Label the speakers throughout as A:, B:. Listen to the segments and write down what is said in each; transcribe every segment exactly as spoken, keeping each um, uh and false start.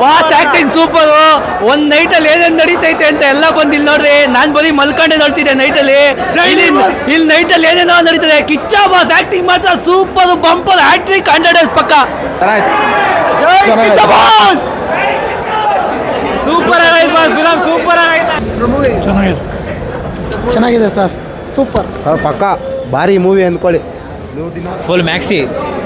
A: Boss acting super. ಒಂದ್ night ಅಲ್ಲಿ ಏನೇನ್ ನಡೀತೈತೆ ಅಂತ ಎಲ್ಲ ಬಂದು ಇಲ್ಲಿ ನೋಡ್ರಿ. ನಾನ್ ಬರೀ ಮಲ್ಕೊಂಡೆ ನೋಡ್ತಿದ್ದೆ ನೈಟ್ ಅಲ್ಲಿ. ಇಲ್ಲಿ ನೈಟ್ ಅಲ್ಲಿ ಏನೇನೋ ನಡೀತದೆ. ಕಿಚ್ಚ ಬಾಸ್ ಆಕ್ಟಿಂಗ್ ಮಾತ್ರ ಸೂಪರ್, ಬಂಪರ್ ಹ್ಯಾಟ್ರಿಕ್, ಹಂಡ್ರೆಡ್ ಪಕ್ಕ. ಸೂಪರ್ ಆಗೈತೆ ಬಾಸ್, ಫಿಲಂ ಸೂಪರ್ ಆಗೈತೆ.
B: ಚೆನ್ನಾಗಿದೆ ಚೆನ್ನಾಗಿದೆ ಸರ್, ಸೂಪರ್
C: ಸರ್ ಪಕ್ಕ ಭಾರಿ ಮೂವಿ ಅಂದ್ಕೊಳ್ಳಿ.
A: ಫುಲ್ ಮ್ಯಾಕ್ಸಿ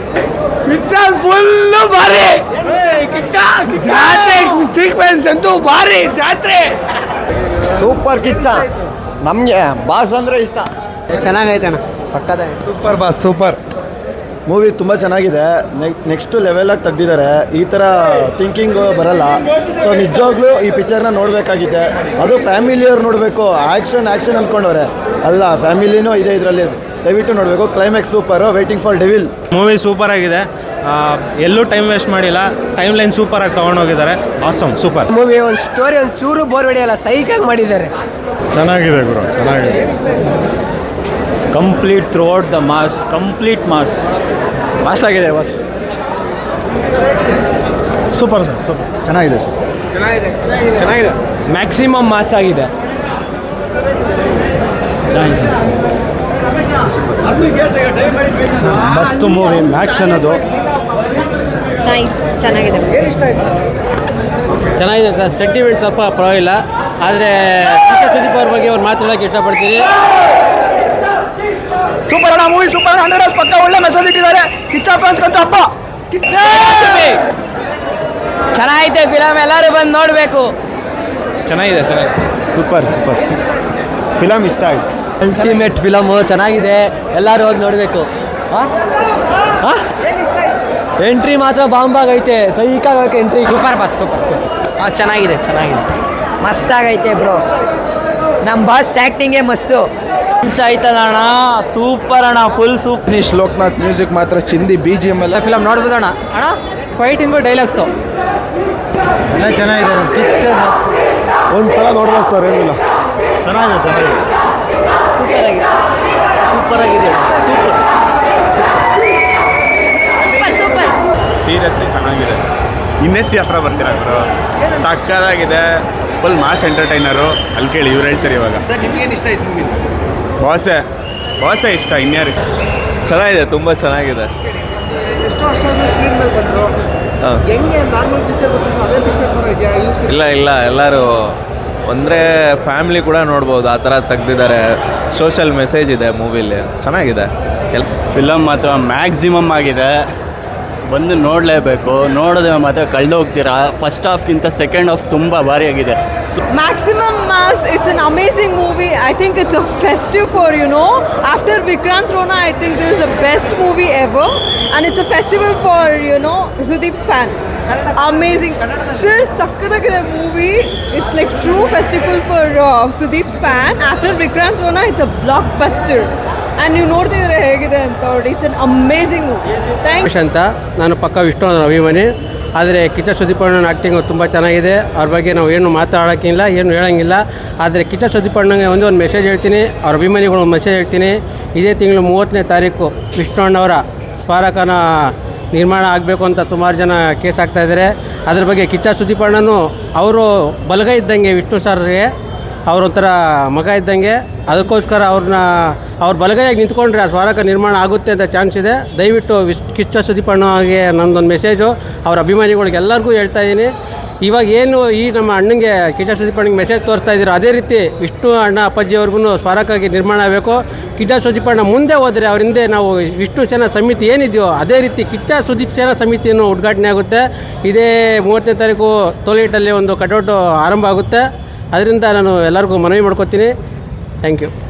A: ಫುಲ್ ಭಾರಿ. ಜಾತ್ರೆ ಸೀಕ್ವೆನ್ಸ್ ಅಂತೂ ಭಾರಿ. ಜಾತ್ರೆ
C: ಸೂಪರ್ ಕಿಚ್ಚ. ನಮಗೆ ಬಾಸ್ ಅಂದರೆ ಇಷ್ಟ.
B: ಚೆನ್ನಾಗೈತೆ ಅಣ್ಣ,
C: ಸಕ್ಕದ
D: ಸೂಪರ್ ಬಾಸ್, ಸೂಪರ್
C: ಮೂವಿ ತುಂಬ ಚೆನ್ನಾಗಿದೆ. ನೆಕ್ಸ್ಟ್ ಲೆವೆಲಾಗಿ ತೆಗ್ದಿದ್ದಾರೆ. ಈ ಥರ ಥಿಂಕಿಂಗು ಬರಲ್ಲ. ಸೊ ನಿಜವಾಗ್ಲೂ ಈ ಪಿಕ್ಚರ್ನ ನೋಡಬೇಕಾಗಿದೆ. ಅದು ಫ್ಯಾಮಿಲಿಯವ್ರು ನೋಡಬೇಕು. ಆ್ಯಕ್ಷನ್ ಆ್ಯಕ್ಷನ್ ಅಂದ್ಕೊಂಡವ್ರೆ ಅಲ್ಲ, ಫ್ಯಾಮಿಲಿನೂ ಇದೆ ಇದರಲ್ಲಿ. ದಯವಿಟ್ಟು ನೋಡಬೇಕು. Climax super. Waiting for Devil
D: movie super ಆಗಿದೆ. ಎಲ್ಲೂ ಟೈಮ್ ವೇಸ್ಟ್ ಮಾಡಿಲ್ಲ. ಟೈಮ್ ಲೈನ್ ಸೂಪರ್ ಆಗಿ ತೊಗೊಂಡೋಗಿದ್ದಾರೆ. Awesome super
A: movie. ಒಂದು ಸ್ಟೋರಿ ಒಂದು ಚೂರು ಬೋರ್ ಹೊಡೆಯಲ್ಲ, ಸೈಕಾಗಿ ಮಾಡಿದ್ದಾರೆ.
D: ಚೆನ್ನಾಗಿದೆ ಗುರು, ಚೆನ್ನಾಗಿದೆ.
E: Complete throughout the mass, complete mass mass ಆಗಿದೆ ಬಾಸ್.
D: ಸೂಪರ್ ಸರ್, ಸೂಪರ್
C: ಚೆನ್ನಾಗಿದೆ ಸರ್.
D: ಚೆನ್ನಾಗಿದೆ.
A: ಮ್ಯಾಕ್ಸಿಮಮ್ ಮಾಸ್ ಆಗಿದೆ.
D: ಮಸ್ತ್ ಮೂವಿ. ಮ್ಯಾಕ್ಸ್ ಅನ್ನೋದು
F: ನೈಸ್, ಚೆನ್ನಾಗಿದೆ.
A: ಚೆನ್ನಾಗಿದೆ ಸರ್. ಸೆಂಟಿಮೆಂಟ್ ಸ್ವಲ್ಪ ಪರವಾಗಿಲ್ಲ, ಆದರೆ ಸುದೀಪ್ ಅವ್ರ ಬಗ್ಗೆ ಅವ್ರು ಮಾತಾಡೋಕೆ ಇಷ್ಟಪಡ್ತೀನಿ.
C: ಸೂಪರ್ ಅಣ್ಣ ಮೂವಿ, ಸೂಪರ್. ಹಂಡ್ರೆಡ್ ಪಕ್ಕ ಒಳ್ಳೆ ಮೆಸೇಜ್ ಇಟ್ಟಿದ್ದಾರೆ. ಕಿಚ್ಚ ಫ್ಯಾನ್ಸ್ ಅಂತ ಹಬ್ಬ.
A: ಚೆನ್ನಾಗೈತೆ ಫಿಲಮ್, ಎಲ್ಲರೂ ಬಂದು ನೋಡಬೇಕು.
D: ಚೆನ್ನಾಗಿದೆ, ಚೆನ್ನಾಗಿದೆ.
C: ಸೂಪರ್ ಸೂಪರ್ ಫಿಲಮ್ ಇಷ್ಟ ಆಯ್ತು.
A: ಅಲ್ಟಿಮೇಟ್ ಫಿಲಮು, ಚೆನ್ನಾಗಿದೆ, ಎಲ್ಲರೂ ಹೋಗಿ ನೋಡಬೇಕು. ಎಂಟ್ರಿ ಮಾತ್ರ ಬಾಂಬಾಗೈತೆ, ಸೈಕಾಗೈತೆ entry. Super boss, super super. ಹಾಂ ಚೆನ್ನಾಗಿದೆ, ಚೆನ್ನಾಗಿದೆ,
F: ಮಸ್ತಾಗೈತೆ ಬ್ರೋ. ನಮ್ಮ ಬಾಸ್ ಆ್ಯಕ್ಟಿಂಗೇ ಮಸ್ತು.
A: ನಿಮಿಷ ಆಯ್ತಲ್ಲ ಅಣ್ಣ, ಸೂಪರ್ ಅಣ್ಣ, full super.
C: Finish Lokanath music ಮಾತ್ರ ಚಿಂದಿ. ಬಿ ಜಿ ಎಮ್ ಎಲ್ಲ
A: ಫಿಲಮ್ ನೋಡ್ಬೋದಣ್ಣ. ಅಣ್ಣ ಫೈಟಿಂಗು ಡೈಲಾಗ್ಸು
C: ಎಲ್ಲ ಚೆನ್ನಾಗಿದೆ. ಕಿಚ್ಚರ್ ಒಂದು ಸಲ ನೋಡ್ಬೋದು ಸರ್, ಏನಿಲ್ಲ. ಚೆನ್ನಾಗಿದೆ, ಚೆನ್ನಾಗಿದೆ.
F: ಸೂಪರ್ ಆಗಿದೆ,
A: ಸೂಪರ್ ಆಗಿದೆ, ಸೂಪರ್
F: ಸೂಪರ್ ಸೂಪರ್.
D: ಸೀರಿಯಸ್ಲಿ ಚೆನ್ನಾಗಿದೆ. ಇಂಡಸ್ಟ್ರಿ ಹತ್ರ ಬರ್ತೀರಾ ಗುರು, ಸಕ್ಕದಾಗಿದೆ. Full mass entertainer. ಅಲ್ಲಿ ಕೇಳಿ ಇವ್ರು ಹೇಳ್ತಾರೆ ಇವಾಗ. ಬಾಸೆ ಬಾಸೆ ಇಷ್ಟ, ಇನ್ಯಾರು ಇಷ್ಟ. ಚೆನ್ನಾಗಿದೆ, ತುಂಬ ಚೆನ್ನಾಗಿದೆ. ಇಲ್ಲ ಇಲ್ಲ ಎಲ್ಲರೂ ಅಂದರೆ ಫ್ಯಾಮಿಲಿ ಕೂಡ ನೋಡ್ಬೋದು, ಆ ಥರ ತೆಗ್ದಿದ್ದಾರೆ. ಸೋಷಲ್ ಮೆಸೇಜ್ ಇದೆ ಮೂವಿಲಿ, ಚೆನ್ನಾಗಿದೆ. ಎಲ್
E: ಫಿಲಮ್ ಮಾತ್ರ ಮ್ಯಾಕ್ಸಿಮಮ್ ಆಗಿದೆ. ಬಂದು ನೋಡಲೇಬೇಕು. ನೋಡಿದ್ರೆ ಮಾತ್ರ ಕಳೆದೋಗ್ತೀರಾ. ಫಸ್ಟ್ ಹಾಫ್ಗಿಂತ ಸೆಕೆಂಡ್ ಹಾಫ್ ತುಂಬ ಭಾರಿಯಾಗಿದೆ.
G: Maximum Mass, it's an amazing movie. I think it's a festive for, you know, after Vikrant Rona, I think this is the best movie ever. And it's a festival for, you know, Sudeep's fan. Amazing. Sir, sakkadagide movie. It's like true festival for uh, Sudeep's fan. After Vikrant Rona, it's a blockbuster. And you ನೋಡ್ತಿದ್ರೆ ಹೇಗಿದೆ ಅಂತ ನೋಡಿ. It's an amazing movie. Thanks
A: ಅಂತ. ನಾನು ಪಕ್ಕ ವಿಷ್ಣು ಅಭಿಮಾನಿ, ಆದರೆ ಕಿಚ್ಚ ಸುದೀಪ್ ಅಣ್ಣನ ಆ್ಯಕ್ಟಿಂಗು ತುಂಬ ಚೆನ್ನಾಗಿದೆ. ಅವ್ರ ಬಗ್ಗೆ ನಾವು ಏನು ಮಾತಾಡೋಕ್ಕಿಲ್ಲ, ಏನು ಹೇಳೋಂಗಿಲ್ಲ. ಆದರೆ ಕಿಚ್ಚ ಸುದೀಪ್ ಅಣ್ಣಗೆ ಒಂದು ಒಂದು ಮೆಸೇಜ್ ಹೇಳ್ತೀನಿ, ಅವ್ರ ಅಭಿಮಾನಿಗಳು ಒಂದು ಮೆಸೇಜ್ ಹೇಳ್ತೀನಿ. ಇದೇ ತಿಂಗಳು ಮೂವತ್ತನೇ ತಾರೀಕು ವಿಷ್ಣು ಅಣ್ಣವರ ಸ್ಮಾರಕನ ನಿರ್ಮಾಣ ಆಗಬೇಕು ಅಂತ ಸುಮಾರು ಜನ ಕೇಸ್ ಆಗ್ತಾಯಿದ್ದಾರೆ. ಅದ್ರ ಬಗ್ಗೆ ಕಿಚ್ಚ ಸುದೀಪ್ ಅಣ್ಣನು ಅವರು ಬಲಗೈ ಇದ್ದಂಗೆ ವಿಷ್ಣು ಸರ್ಗೆ, ಅವರೊಂಥರ ಮಗ ಇದ್ದಂಗೆ. ಅದಕ್ಕೋಸ್ಕರ ಅವ್ರನ್ನ ಅವ್ರ ಬಲಗೈಯಾಗಿ ನಿಂತ್ಕೊಂಡ್ರೆ ಆ ಸ್ಮಾರಕ ನಿರ್ಮಾಣ ಆಗುತ್ತೆ ಅಂತ ಚಾನ್ಸ್ ಇದೆ. ದಯವಿಟ್ಟು ವಿಶ್ ಕಿಚ್ಚ ಸುದೀಪ್ ಅಣ್ಣಗೆ ನನ್ನದೊಂದು ಮೆಸೇಜು ಅವ್ರ ಅಭಿಮಾನಿಗಳಿಗೆ ಎಲ್ಲರಿಗೂ ಹೇಳ್ತಾ ಇದ್ದೀನಿ. ಇವಾಗ ಏನು ಈ ನಮ್ಮ ಅಣ್ಣಂಗೆ ಕಿಚ್ಚ ಸುದೀಪ್ ಅಣ್ಣಗೆ ಮೆಸೇಜ್ ತೋರಿಸ್ತಾ ಇದ್ದೀರೋ, ಅದೇ ರೀತಿ ವಿಷ್ಣು ಅಣ್ಣ ಅಪ್ಪಾಜಿಯವ್ರಿಗೂ ಸ್ಮಾರಕವಾಗಿ ನಿರ್ಮಾಣ ಆಗಬೇಕು. ಕಿಚ್ಚ ಸುದೀಪ್ ಅಣ್ಣ ಮುಂದೆ ಹೋದರೆ ಅವ್ರ ಹಿಂದೆ ನಾವು ವಿಷ್ಣು ಸೇನಾ ಸಮಿತಿ ಏನಿದೆಯೋ ಅದೇ ರೀತಿ ಕಿಚ್ಚ ಸುದೀಪ್ ಸೇನಾ ಸಮಿತಿಯನ್ನು ಉದ್ಘಾಟನೆ ಆಗುತ್ತೆ. ಇದೇ ಮೂವತ್ತನೇ ತಾರೀಕು ಟೋಲ್ಗೇಟಲ್ಲಿ ಒಂದು ಕಟೌಟು ಆರಂಭ ಆಗುತ್ತೆ. ಅದರಿಂದ ನಾನು ಎಲ್ಲರಿಗೂ ಮನವಿ ಮಾಡ್ಕೊತೀನಿ. Thank you.